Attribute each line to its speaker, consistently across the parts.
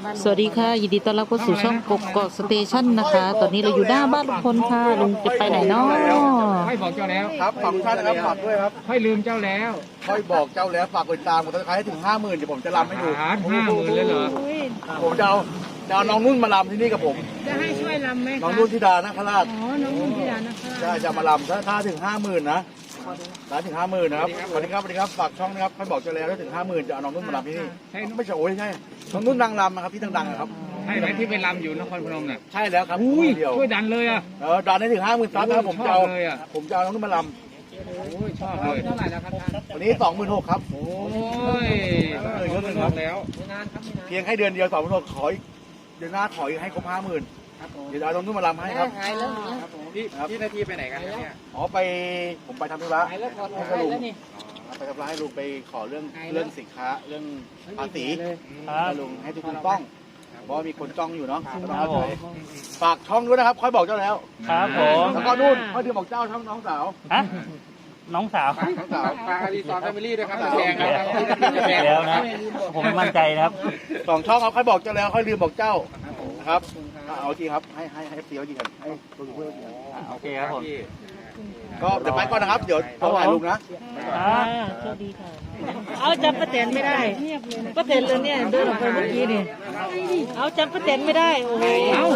Speaker 1: สวัสดีค่ะยินดีต้อนรับเข้าสู่ช่องกกกอกสเตชันนะคะ ตอนนี้เราอยู่หน้าบ้านลุงพลค่ะลุงจะไปไหนเนาะ
Speaker 2: ค่อยบอกเจ้าแล้ว
Speaker 3: ครับฝากทุกท่านนะครับฝากด้วยครับ
Speaker 2: ค่อยลืมเจ้าแล้ว
Speaker 3: ค่อยบอกเจ้าแล้วฝากกดติดตามกดติดตามให้ถึง 50,000เดี๋ยวผมจะรำให้ดู
Speaker 2: 50,000เลยเหรอ
Speaker 3: ผมจะเอาน้องนุ่นมารำที่นี่กับผม
Speaker 4: จะให้ช่วยรำไหม
Speaker 3: น้อง
Speaker 4: คะ
Speaker 3: นุ่นธิดานาคราช
Speaker 4: อ๋อ น้องนุ่นที่ร้านนะคะ
Speaker 3: ใช่จะมารำถ้าถึง 50,000นะถ้าถึง 50,000นะครับสวัสดีครับสวัสดีครับฝากช่องนะครับค่อยบอกเจ้าแล้วถ้าถึง 50,000จะเอาน้องนุ่นมารำที่นี่ไม่ใช่โอ้ยใช่น้องนุ่นนางรำนะครับที่ดังๆนะครับ
Speaker 2: ใช่ไหมที่ไปรำอยู่นครพนมน่ะ
Speaker 3: ใช่แล้วครับ
Speaker 2: อุ้ย
Speaker 3: เดียว
Speaker 2: ช่วยดันเลยอ่ะ
Speaker 3: ดันให้ถึง 50,000ซับนะครับผมจะเอา
Speaker 2: ชอบเลยอะ
Speaker 3: ผมจะเอาน้องนุ่นมาร
Speaker 2: โอ้ยชอบเลยเท่าไหร่แล้วครับท่าน
Speaker 3: ำวันนี้ 26,000ครับ
Speaker 2: โอ้ยแล้ว
Speaker 3: เพียงให้เดือนเดียว26,000ขออีกเดือนหน้าขออีกให้ครบ 50,000เดี๋ยวเอาน้องนุ่นมารำให้ครับ
Speaker 2: พี่นาทีไปไหนกันเนี่ย
Speaker 3: อ๋อผมไปทำธุระให้ลุงไปทำธุระให้ลุงไปขอเรื่องสินค้าเรื่องภาษีให้ลุงให้ทุกคนต้องเพราะว่ามีคนจ้องอยู่เนาะฝากช่องด้วยนะครับค่อยบอกเจ้าแล้ว
Speaker 5: ครับผม
Speaker 3: แล้วก็นู่นค่อยเดือนบอกเจ้าช่องน้องสาว
Speaker 5: ฮะน้องสาว
Speaker 3: น้องสาว
Speaker 2: ฝากอดีตอนแฟมิลี่ด้วยครับ
Speaker 3: น้อง
Speaker 2: แด
Speaker 3: สาว
Speaker 2: งนะครับ
Speaker 5: อีกแล้วนะ ผมไม่มั่นใจนะครับ
Speaker 3: 2 ช่องเขาค่อยบอกเจ้าแล้วค่อยลืมบอกเจ้านะครับเอาจริงครับให้เสียจริงกันให้ตัวเพื่อน
Speaker 5: โอเคครับผม
Speaker 3: ก็เดี๋ยวไปก่อนนะครับเดี๋ยวโทรหาลุงนะ
Speaker 1: โชคดีค่ะเอาจำป้าแตนไม่ได้ป้าแตนเลยเนี่ยเดินออกไปเมื่อกี้นี่เอาจำป้าแตนไม่ได้โอ้โห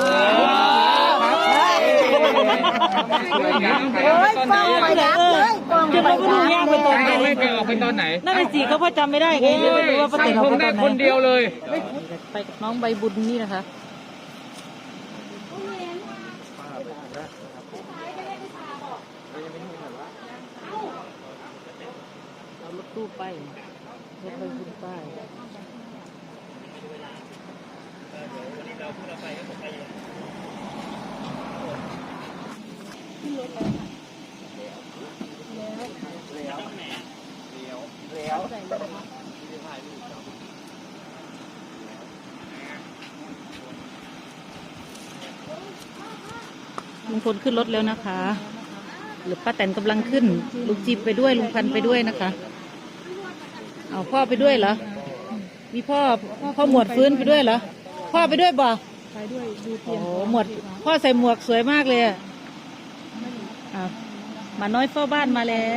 Speaker 2: ตอนไหน
Speaker 1: จะมาพูดยากไปตอนไหน
Speaker 2: ไม่ไปออกไปตอนไหน
Speaker 1: นั่นเป็นสิเขาพ่อจำไม่ได้ไงเลยไม่รู้ว่าป้าแตนออก
Speaker 2: ผม
Speaker 1: ไปต
Speaker 2: ได้
Speaker 1: อนไหน
Speaker 2: คนเดียวเลย
Speaker 1: ไปกับน้องใบบุญนี่นะคะเอารถตู้ไปรถใบบุญไปลุงพลขึ้นรถแล้วนะคะ หรือป้าแตนกำลังขึ้นลุงจีบไปด้วยลุงพันธุ์ไปด้วยนะคะ เอาพ่อไปด้วยเหรอ มีพ่อหมวดฟื้นไปด้วยเหรอ พ่อไปด้วยบ่
Speaker 4: ไปด้วยดูเตี
Speaker 1: โอ้
Speaker 4: ยง
Speaker 1: โหหมวดพ่อใส่หมวกสวยมากเลยอะอ่ะหมาน้อยเฝ้าบ้านมาแล้ว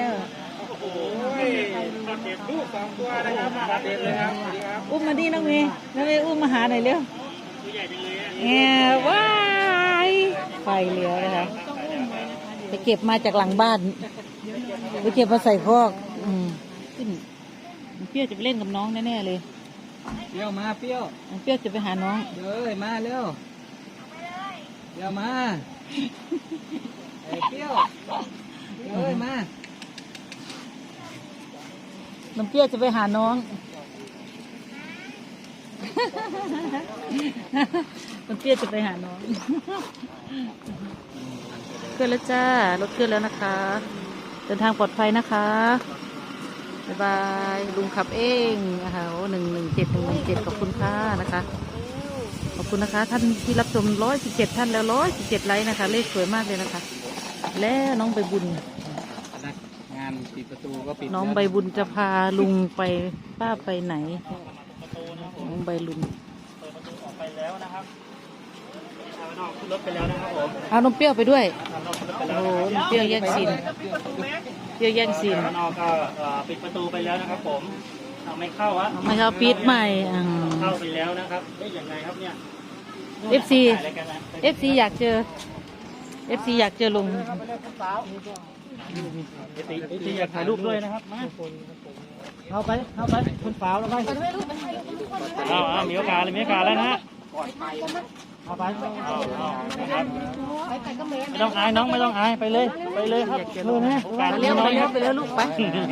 Speaker 2: ลูก2 ตัวนะครับมาเด็ดเลยครับ
Speaker 1: อุ้มมาดิน้องเมย์น้องเมย์อุ้มมาหาหน่อยเร็วแง่ว้ายไฟเหลือนะคะไปเก็บมาจากหลังบ้านไปเก็บมาใส่คอกขึ้นเปรี้ยวจะไปเล่นกับน้องแน่ๆเลย
Speaker 2: เปรี้ยวมาเปรี้ยว
Speaker 1: เปรี้ยวจะไปหาน้อง
Speaker 2: เอ้ยมาเร็วเปรี้ยวมาเปรี้ยวเอ้ยมา
Speaker 1: น้ำเปรี้ยวจะไปหาน้อง น้ำเปรี้ยวจะไปหาน้องขึ้นแล้วจ้ารถขึ้นแล้วนะคะ เดินทางปลอดภัยนะคะบ๊ายบายลุงขับเองนะคะโอ้117ขอบคุณค่ะนะคะขอบคุณนะคะท่านที่รับชม117ท่านแล้ว117ไลค์นะคะเลขสวยมากเลยนะคะ แล้วน้องใบบุญ
Speaker 2: งานปิดประตูก็ปิด
Speaker 1: น้องใบบุญจะพาลุงไปป้าไปไหนน้องใบลุง
Speaker 5: ไปแล้วนะครับขึ้นรถไปแล้วนะครับผม
Speaker 1: เอาน้องเปรี้ยวไปด้วยโอ้โหน้องเปรี้ยวแย่งซีนเปรี้ยวแย่งซีน
Speaker 5: นอกก็ปิดประตูไปแล้วนะครับผมเอาไม่เข้าอะ
Speaker 1: ไม่เขาปิดใหม่
Speaker 5: เข้าไปแล้วนะครับได้ยังไงครับเนี่ย
Speaker 1: FC FC อยากเจอ FC อยากเจอลุง
Speaker 5: ที่อยากถ่ายรูปด้วยนะครับมา
Speaker 1: เข้าไปคนฝาวแล้วไป
Speaker 5: เอามีโอกาสเลยมีโอกาสแล้วนะฮะ
Speaker 1: เข้าไป
Speaker 5: นะครับไม่ต้องอายน้องไม่ต้องอายไปเลยครับโอกาส
Speaker 1: เลี้ยวไปเลี้ยวไปเลี้ยวลูกไป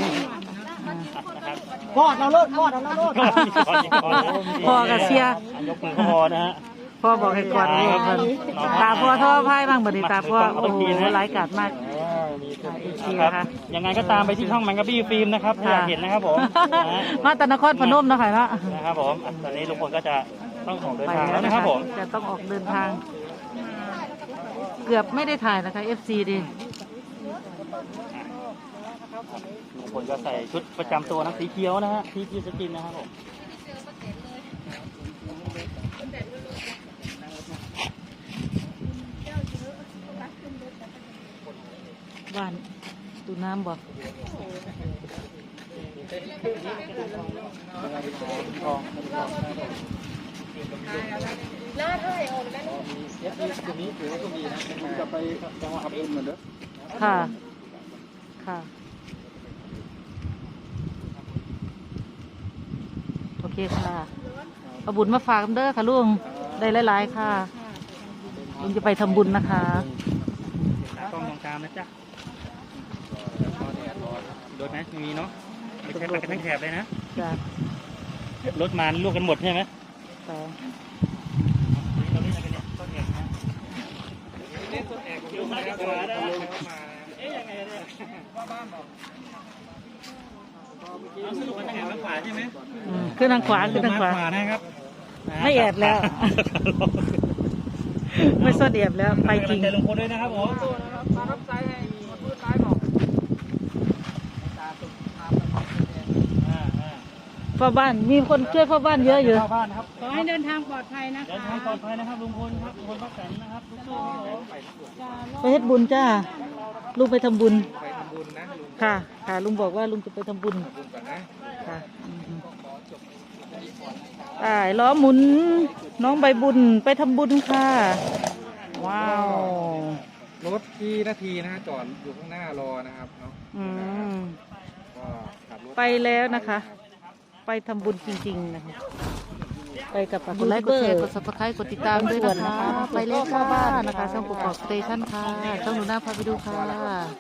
Speaker 5: กอดเราโลดกอดเราโลด
Speaker 1: พ่อกับเชียร์
Speaker 5: ยกมือก็พอนะฮะ
Speaker 1: พ่อบอกให้กอดลูกกันตาพ่อท่อพายบ้างบัดนี้ตาพ่อโอ้โหร้ายกาจมากเชียร์ค่ะ
Speaker 5: ยังไงก็ตามไปที่ช่องมันกับบี้ฟิล์มนะครับถ้าอยากเห็นนะครับผม
Speaker 1: มาตะนครพนมนะคะเนาะ
Speaker 5: นะครับผมตอนนี้ลุงพลก็จะต้องออกเดิน
Speaker 1: ไป
Speaker 5: ทาง
Speaker 1: แล้
Speaker 5: แล้ว ว
Speaker 1: นะ
Speaker 5: นะ
Speaker 1: ค
Speaker 5: ค
Speaker 1: รั
Speaker 5: รั
Speaker 1: บบ
Speaker 5: ผม
Speaker 1: จะต้องออกเดินทาง เกือบไม่ได้ถ่ายนะคะ FC ดิ
Speaker 5: ลุงพลก็ใส่ชุดประจำตัวนะสีเขียวนะฮะที่สกินนะครับผม
Speaker 1: น้ำบ่
Speaker 3: จะไปจังหวัดอับดุลเหมือนเดิม
Speaker 1: ค่ะ ค่ะ โอเคค่ะเอาบุญมาฝากกันเด้อค่ะลุง ได้หลายๆค่ะ ลุงจะไปทำบุญนะคะ
Speaker 5: กล้องมองตามนะจ๊ะโดนไหมไม่มีเนาะไม่ใช่ไปกันทั้งแถบเลยนะ
Speaker 1: จ้ะ
Speaker 5: รถมาลวกกันหมดใช่ไหม
Speaker 1: ค่ะ
Speaker 5: เราเล่นอะไรกันเนี่ยต้นแอกนะเล่นต้นแอกอยู่มาจากขวาได้เอ๊ยยังไงเนี่ยเอาสรุปมันทางไหนทางขวาใช่ไหม
Speaker 1: ขึ้นทางขวาขึ้นทางขวา
Speaker 5: นะครับ
Speaker 1: ไม่แอบแล้ว ไม่ซ่อนแอบแล้ว ไปจริง
Speaker 5: ใจลงพลด้วยนะครับผม
Speaker 2: มารับใจให้หมดมือตายบอก
Speaker 1: พ่อบ้านมีคนช่วยพ่อบ้านเยอะอยู่
Speaker 5: เข้าบ้านนะครับ
Speaker 4: ขอให้เดินทางปลอดภัยนะ
Speaker 5: เดิน
Speaker 4: คะ
Speaker 5: ทางปลอดภัยนะครับลุงพลครับลุงพลป้าแตนนะครับสู้ๆครับผม
Speaker 1: ไปเฮ็ดบุญจ้า ลุงไปทำบุญ
Speaker 2: ไปทำบุญนะลุง
Speaker 1: ค่ะ ค่ะ ลุงบอกว่าลุงจะไปทำบุญ
Speaker 2: บุญก่อนนะ
Speaker 1: ค่ะล้อหมุน น้องใบบุญไปทำบุญค่ะ ว้าว
Speaker 2: รถที่นาทีนะฮะจอดอยู่ข้างหน้ารอนะครับเนาะ
Speaker 1: อืม
Speaker 2: ก็ขับรถ
Speaker 1: ไปแล้วนะคะ ไปทำบุญจริงๆนะคะ ไปกับกดไลค์กดแชร์กด subscribe กดติดตามด้วยนะคะ ไปเล่นข้าวบ้านนะคะ ช่องกกอกสเตชันค่ะ ช่องหนูนาพาไปดูค่ะ